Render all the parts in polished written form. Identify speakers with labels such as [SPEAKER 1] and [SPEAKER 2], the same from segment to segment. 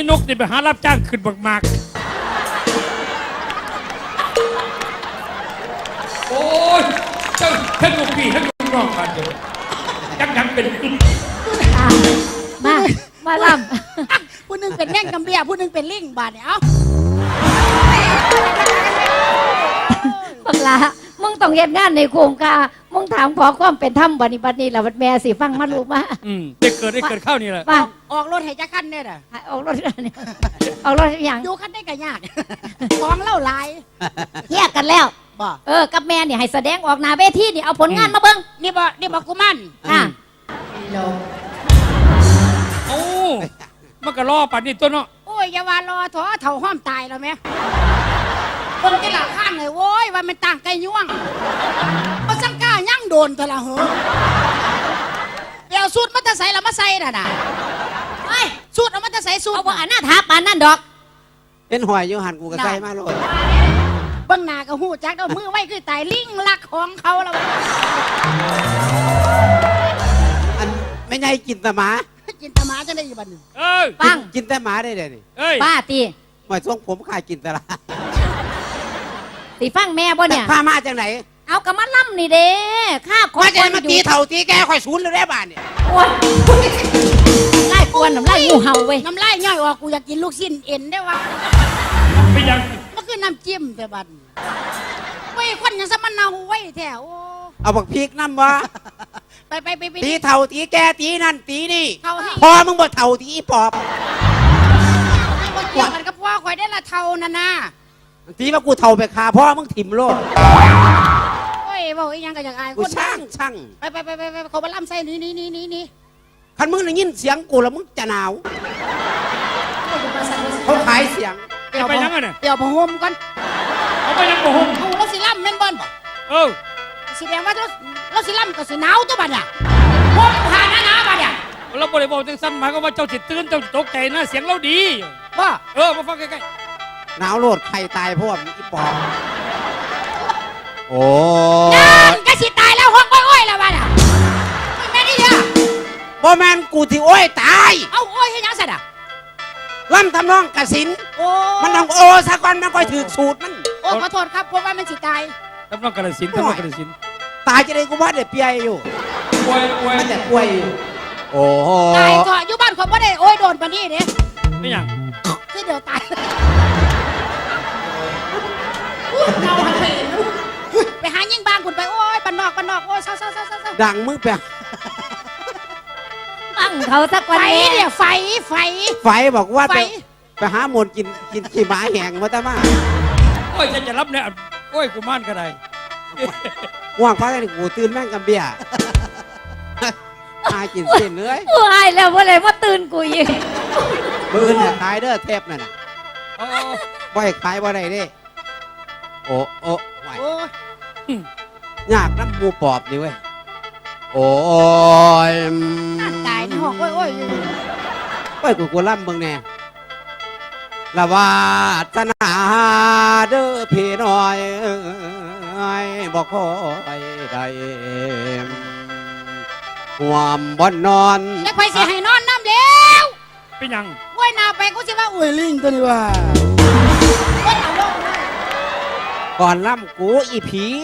[SPEAKER 1] นกนี่ไปหารับจ้างขึ้นบักมากโอ้ยเจ้าทั้งลูกพี่ทั้งลูกน้องกันเดียวยังเป็น
[SPEAKER 2] มาล่
[SPEAKER 3] ำผู้นึงเป็นแง่งกำเบียผู้นึงเป็นลิงบาดเนี่ยเอ้า
[SPEAKER 2] บังลามึงต้องเฮ็ดงานในโครงการมึงถามขอความเป็นธรรมบัดนี้แล้วแม่สิฟังมาลูกมา
[SPEAKER 1] ได้เกิดข้าวนี่แหละ
[SPEAKER 3] ออกรถให้จักคันเนี่ยน่ะ
[SPEAKER 2] ออกรถนี่ออกรถอย่าง
[SPEAKER 3] ดูคันได้ก็ยากของเล่าหลาย
[SPEAKER 2] เฮียกันแล้วกับแม่นี่ให้แสดงออกหน้าเวทีนี่เอาผลงานมาเบิ่ง
[SPEAKER 3] นี่บ่กูมัน
[SPEAKER 1] โอ้มันก็รอปัดนี่ตัวเนาะ
[SPEAKER 3] โอ้ยอย่าว่ารอถอเถ่าห้อมตายแล้วแม่คนที่หลังข้างเลยโว้ยว่ามันต่างไก่ย่วงเอาสังก้ายั่งโดนแต่ละเหรอเดี๋ยวสูตรมันจะใส่แล้วมาใส่น่ะไอ้สูตรเอามันจะใส่สูตร
[SPEAKER 2] เอาว่าหน้าทับปานนั่นดอก
[SPEAKER 4] เป็นหอยอยู่หันกูก็ใส่มาโลด
[SPEAKER 3] เบื้องหน้าก็หูจักเอามือไว้คือตายลิงลักของเขาแล้ว
[SPEAKER 4] อันไม่ใช่กินแต่หมา
[SPEAKER 3] กินแต่หมาจะได้อยู่บ้านนึง
[SPEAKER 2] ฟัง
[SPEAKER 4] กินแต่หมาได้เลยนี่
[SPEAKER 2] ป้าตี
[SPEAKER 4] หอยทรงผมขายกินแต่ละ
[SPEAKER 2] ตีฟังแม่บ่เนี่ย
[SPEAKER 4] พามาจากไหน
[SPEAKER 2] เอากระมัดล่ำนี่เด้ข้า
[SPEAKER 4] ขอจะมาตีเถ่าตีแกข่อยศูนย์เลยได้บ้านเนี่ย
[SPEAKER 2] โอ้ยไล่กวนน้ำไล่งูเห่าเว้ย
[SPEAKER 3] น้ำไล่ย่อยออกกูอยากกินลูกชิ้นเอ็นได้วะ
[SPEAKER 1] ไม่ยัง
[SPEAKER 3] มันคือน้ำจิ้มแต่บัดเว้ยคนยังสมันเนาไว้แถว
[SPEAKER 4] เอาบักพริกน้ำวะ
[SPEAKER 3] ไป
[SPEAKER 4] ตีเถ่าตีแกตีนั่นตีนี่พอมึงบ่เถ่าตีปอบ
[SPEAKER 3] เกี่ยวกันกับพ่อคอยได้ละเท่านั่นนะ
[SPEAKER 4] ตีว่ากูเถ่าไปคาพ่อมึงถิ่มโลด
[SPEAKER 3] โอ้ยบอกอีกยังก็อยากอาย
[SPEAKER 4] กูช่าง
[SPEAKER 3] ไปเขามาล่ำใส่นี่
[SPEAKER 4] คันมึงได้ยินเสียงกูแล้วมึงจะหนาวเขาขายเสียง
[SPEAKER 1] ไปยังไงเนี่ย
[SPEAKER 3] เดี๋ยวพะห่มก่อน
[SPEAKER 1] เอาไปยังพะห่ม
[SPEAKER 3] เอาเราสิล่ำแม่นบอลสิแดงว่าเราสิล่ำก็สิหนาวตัวบัดอ่ะห่มผ่านหนาบัดอ่ะ
[SPEAKER 1] เราบริบอกจังสั้นหมายก็ว่าเจ้าจิตตื่นเจ้าตกใจนะเสียงเราดี
[SPEAKER 3] ว่า
[SPEAKER 1] มาฟังใกล้
[SPEAKER 4] ๆหนาวโลดใครตายเพราะว่าอีปอบโอ้
[SPEAKER 3] ก็สิตายแล้วห้องอ้อยแล้วบัดอ่ะแม่นี่เถอะ
[SPEAKER 4] บ่แม่นกูที่โอ้ยตาย
[SPEAKER 3] เอาอ้อยให้ยังสัตว์อ่ะ
[SPEAKER 4] ล่ำทำนองกสินมันต้องโอซะก่อนมันค่อยถือสูตรมัน
[SPEAKER 3] โอ้ขอโทษครับเพราะว่ามันสิตาย
[SPEAKER 1] ทำนองกสินทำนองกสิน
[SPEAKER 4] ตายจะได้กูว่าเด็ดเปียอยู่
[SPEAKER 1] ป่วย
[SPEAKER 4] มันแต่ป่วยอยู่โอ้
[SPEAKER 3] ตายเถอะอยู่บ้านคนบ่ได้โอ้ยโดนปานนี้เด้
[SPEAKER 1] ไม่ยัง
[SPEAKER 3] คือเดี๋ยวตายเราไปหายิ่งบางคุณไปโอ้ยบ้านนอกโอ้ยเศร้า
[SPEAKER 4] ดังมึงไป
[SPEAKER 2] ตั้งเขาสักวัน
[SPEAKER 3] นี้เนี่ยไฟ
[SPEAKER 4] บอกว่าไปหาหมนกินขี้หมาแห้งมาแต่มา
[SPEAKER 1] โอ้ยจะรับเนี่ยโอ้ยกูมั่นก็ได้
[SPEAKER 4] ว่างพักได้กูตื่นแม่งกับเบียร์มากินเส้นเลย
[SPEAKER 2] กูหายแล้วว่าตื่นกูอีก
[SPEAKER 4] มือเนี่ยขายเด้อเทปนั่นน่ะบ่ให้ขายบ่ได้เด้โอ้ไหวยากน้ำมูปอบนี่เว้ยโอ้ย
[SPEAKER 3] ตายในห้องโอ้
[SPEAKER 4] ยกูล่ำเบิ่งแน่ละว่าตนาเด้อพี่น้อยบ่คอยได้ห่วมบ่นอน
[SPEAKER 3] แล้วใครสิให้นอนน้ำแล้ว
[SPEAKER 1] เป็นยัง
[SPEAKER 3] โอ้ยนาไปกูสิว่าอุ้ยลิงตัวนี้ว่า
[SPEAKER 4] ก่อนล่ำกูอี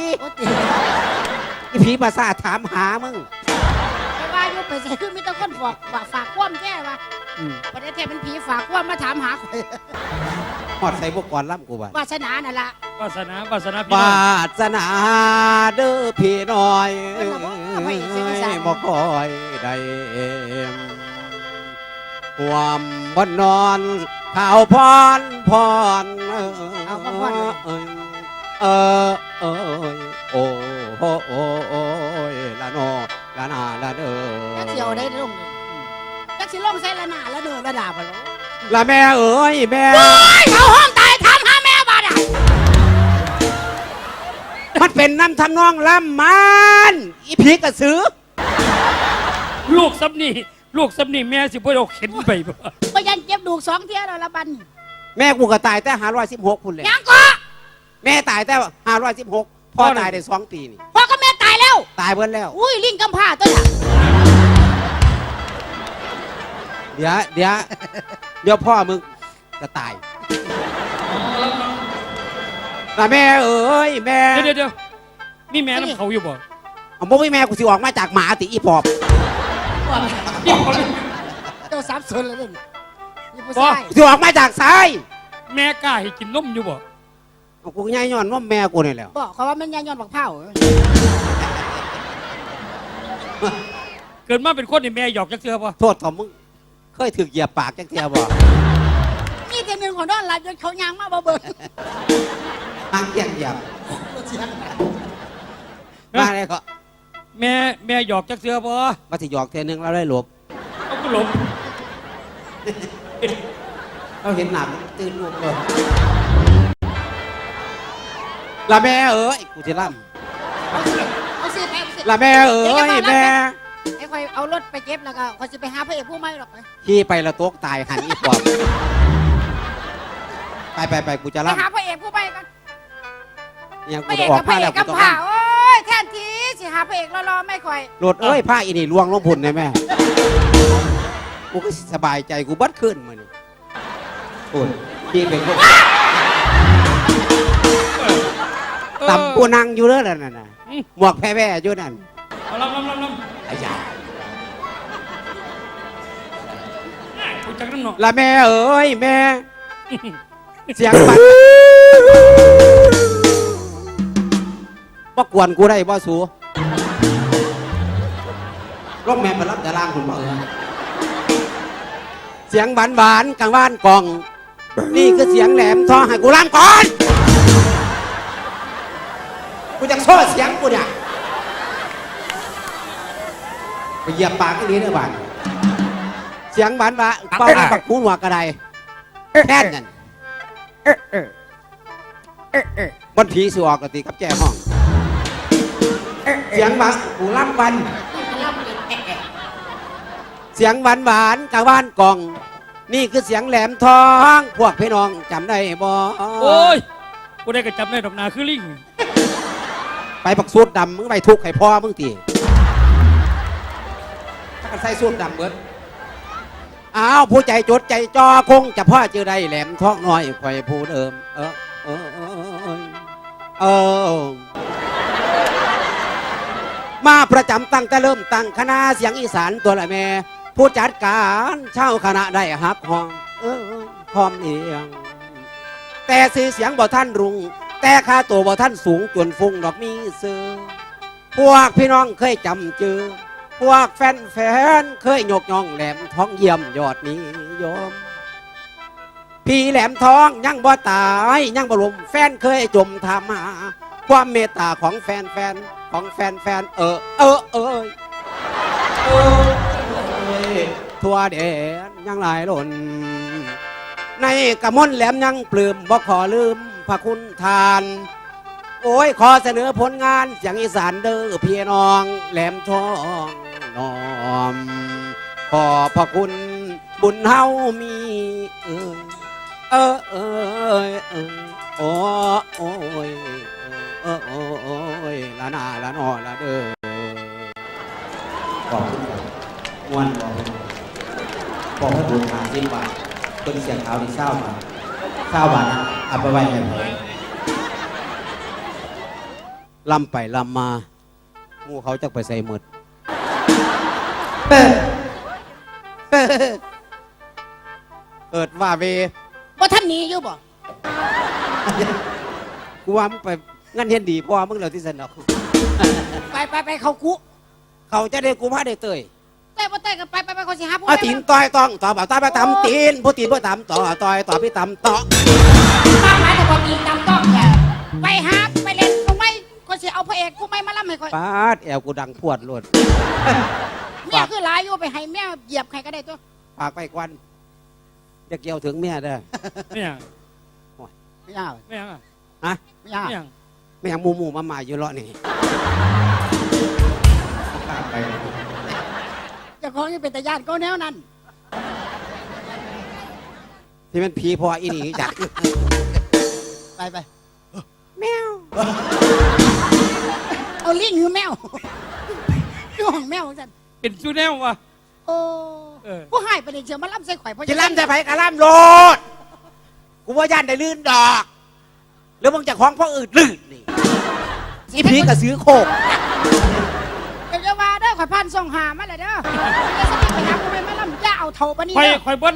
[SPEAKER 4] ผีภาษาถามหามึง
[SPEAKER 3] ไปว่าอยู่ไปใส่ขึ้นมีแต่คนฝากความแก่ว่าประเทศเป็นผีฝากความมาถามหาข่อย
[SPEAKER 4] หอดใส่พวกก่อนล่ำกูว่าว
[SPEAKER 3] าสนานั่นละ
[SPEAKER 1] วาสนาพี่น้
[SPEAKER 4] อยวาสนาเด้อพี่น้อยบ่คอยได้ความบ่นอนข่าวพรโอ้ยละโนละนาละเด้อ
[SPEAKER 3] จักเสียวได้ลงจักสิลงใส่ละนาละเด้อละดาบ
[SPEAKER 4] ละแม่เอ้ยแม่
[SPEAKER 3] เขาห้องตายทำหาแม่บาดอ่ะ
[SPEAKER 4] มันเป็นน้ำทำนองล่ำมันอีผีกระสือ
[SPEAKER 1] ลูกซับนี่แม่สิบ่เอาเข็นไป
[SPEAKER 3] บ่ยันเจ็บดูก2เที่ยแล้วละบัน
[SPEAKER 4] แม่กูก็ตายแต่516พุ่นเลย
[SPEAKER 3] ยังก็
[SPEAKER 4] แม่ตายแต่516พ่อตายได้2 ปีนี่
[SPEAKER 3] พ่อกับแม่ตายแล้ว
[SPEAKER 4] ตายเบิดแล้ว
[SPEAKER 3] อุ้ยลิงกำพร้าตัวน่ะ
[SPEAKER 4] เดี๋ยวพ่อมึงจะตายละแม่เอ้ยแม่
[SPEAKER 1] เดี๋ยวมีแม่น้ำเขาอยู่บ่
[SPEAKER 4] เอาบ่มีแม่กูสิออกมาจากหมาติอีปอบ
[SPEAKER 1] นี่เขา
[SPEAKER 3] เจ้าสับสนเลยนี่ผู้ชาย
[SPEAKER 4] สิออกมาจากซ้าย
[SPEAKER 1] แม่กล้าให้กินนมอยู่บ่
[SPEAKER 4] เอากูง่ายย้อนว่าแม่กูนี่แหละ
[SPEAKER 3] บอกเขาว่ามันยายย้อนบักเผา
[SPEAKER 1] เกิดมาเป็นคนนี่แม่หยอกจักเทื่อบ่
[SPEAKER 4] โทษของมึงเคยถึกเหยียบปากจังเทียบ่
[SPEAKER 3] นี่แต่หนึ่งของนอนหลับจนเขายางมาบ่เบิ่ง
[SPEAKER 4] ทางเหยียบมาเลยก็
[SPEAKER 1] แม่หยอกจักเทื่อบ่
[SPEAKER 4] มาสิหยอกเทนึงเราได้หลบ
[SPEAKER 1] เอาก็หลบ
[SPEAKER 4] เราเห็นหนักตื่นลูกเลยละแม่เอ้ยกูจะล่
[SPEAKER 3] เอาสิไปเอาสิ
[SPEAKER 4] ำละแม่เอ้ยแม่
[SPEAKER 3] ไอ้คอยเอารถไปเก็บแล้วก็คอยจะไปหาพระเอกผู้ใหม่หรอกไป
[SPEAKER 4] ขี่ไปละตกตายหันอีปอบไปกูจะ
[SPEAKER 3] ไป
[SPEAKER 4] ล่ำ
[SPEAKER 3] หาพระเอกผู้ใหม่กัน
[SPEAKER 4] เนี่ย
[SPEAKER 3] พ
[SPEAKER 4] กู
[SPEAKER 3] ระเอ
[SPEAKER 4] จะ
[SPEAKER 3] ก
[SPEAKER 4] ออ
[SPEAKER 3] กั
[SPEAKER 4] ก
[SPEAKER 3] บพ
[SPEAKER 4] มา
[SPEAKER 3] ระเอ
[SPEAKER 4] แล้
[SPEAKER 3] ก
[SPEAKER 4] ว
[SPEAKER 3] กั
[SPEAKER 4] กู
[SPEAKER 3] บ
[SPEAKER 4] ต้อง
[SPEAKER 3] ผ่าโอ้ยแทนทีสิหาพระเอกรอๆไม่ค่อย
[SPEAKER 4] รถเอ้ยผ้าอีนี่ลวงลงพุ่นเลยแม่กูก็สบายใจกูบัดขึ้นมานี่โอ้ยขี่เป็นพวกต่ำกูนั่งอยู่เด้อนั่นน่ะหมวกแพ้ๆอยู่นั่น
[SPEAKER 1] เอาลำ
[SPEAKER 4] ไอ้ยา
[SPEAKER 1] กูจักน้ำหนอ
[SPEAKER 4] ละแม่เอ้ยแม่ เสียงบัดบ่กวนกูได้บ่สูรถแม่มารับแต่ล่างคุณบ่เสียงหวานกลางบ้านกล่อง นี่คือเสียงแหลมทองให้กูล่างก่อนกูจะโซ่เสียงกูเนี่ยไปเหยียบปากไอ้นี้เด้อบ้านเสียงหวานเป้าปักหูหัวกระไดแค่นั้นบนผีสิออกกะติกับแจ้ห้องเสียงหวานกูรับวันเสียงหวานกลางบ้านกล่อง นี่คือเสียงแหลมทองพวกพี่น้องจำได้บ่
[SPEAKER 1] โอ้ยกูได้กระจับได้ดอกนาคือลิง
[SPEAKER 4] ไปปักสูตรดำมึงไปทุกข์ให้พ่อมึงตีถ้ากันใส่สูตรดำเบิดอ้าวผู้ใจจดใจจอคงจะพ่อเจอได้แหลมทองน้อยคอยผู้เดิมมาประจำตั้งแต่เริ่มตั้งคณะเสียงอีสานตัวละแม่ผู้จัดการเช่าคณะได้ฮักห้องพร้อมเอียงแต่สื่อเสียงบ่ท่านรุงแต่ค่าตัวบ่ท่านสูงจนฟุ้งดอกมีเสือพวกพี่น้องเคยจำเจอพวกแฟนเคยยกย่องแหลมทองเยี่ยมยอดนิยมพี่แหลมทองยังบ่ตายยังบ่ลมแฟนเคยจมทำหาความเมตตาของแฟนทั่วแดนยังหลายหล่นในกระมนแหลมยังปลื้มบ่ขอลืมพระคุณทาน โอ้ยขอเสนอผลงานเสียงอีสานเด้อพี่น้องแหลมทองน้อมขอพระคุณบุญเฮามีโอ้ยละนาละนอละเด้อขอบคุณครับม่วนบอกให้บุญหาสิบบาทคนเสียงเท้าที่เศร้าบาทนะเอาไปไว้ให้ผมลำไปลำมาหมู่เขาจะไปใส่หมดเกิดว่าเว
[SPEAKER 3] ว่าท่านหนี้อยู่บ่
[SPEAKER 4] กูว่ามึงไปงั้นเห็นดีเพราะว่ามึงเหล่าที่สนอก
[SPEAKER 3] ไปเขากุ
[SPEAKER 4] เขาจะได้กูพาได้เตย
[SPEAKER 3] เต้บ่เต้กันไปเขาสิหาผู้
[SPEAKER 4] เอาตีนต่อยต้องต่อบ่าวตาไปตำตีนผู้ตีนผู้ตำต่อต่อยต่อพี่ตำต่อ
[SPEAKER 3] ป้าหมายแต่บ่ตีนตำต้องแหละไปหาไปเล่นผู้ใหม่เขาสิเอาพระเอกผู้ใหม่มาล่ำให้ค่อย
[SPEAKER 4] ปาดแอวกูดังพวดโลด
[SPEAKER 3] เมียคือหลายอยู่ไปให้เมียเหยียบใครก็ได้ตัว
[SPEAKER 4] ปากไปควันจะเกี่ยวถึงเมียเด้อ
[SPEAKER 1] ไม่ยัง
[SPEAKER 3] ไม่ยาก
[SPEAKER 1] ไม่ยังอ่ะ
[SPEAKER 4] ฮะ
[SPEAKER 3] ไม่ยาก
[SPEAKER 1] ไม่ยัง
[SPEAKER 4] ไม่อยากมูมาอยู่เลาะนี่ไป
[SPEAKER 3] เจ้าของยังเป็นตาญาติก็แนวนั้น
[SPEAKER 4] ที่มันผีพออีนี่จัด
[SPEAKER 3] ไป
[SPEAKER 4] แมว
[SPEAKER 3] เอาลิงหรือแมวดูของแมวจัน
[SPEAKER 1] เป็นชูแนววะ
[SPEAKER 3] โอ้
[SPEAKER 1] เออ
[SPEAKER 3] ผู้ให้ประเด็นเชียวมาล่ำใส่ข่อยเพราะ
[SPEAKER 4] จะล่ำจะไปกะล่ำโลดกูว่าย่านได้ลื่นดอกแล้วมึงจะคล้องพ่ออื่นลื่นนี่อีผีก็ซื้อโคก
[SPEAKER 3] เดี๋ยวจะว่าเด้อข่อยพันส่งหามาเลยเด้อจะสติไปหากูไปมาลำจะเอาเท่าปะนี่
[SPEAKER 1] คอย
[SPEAKER 3] เด้อ
[SPEAKER 1] คอยบ่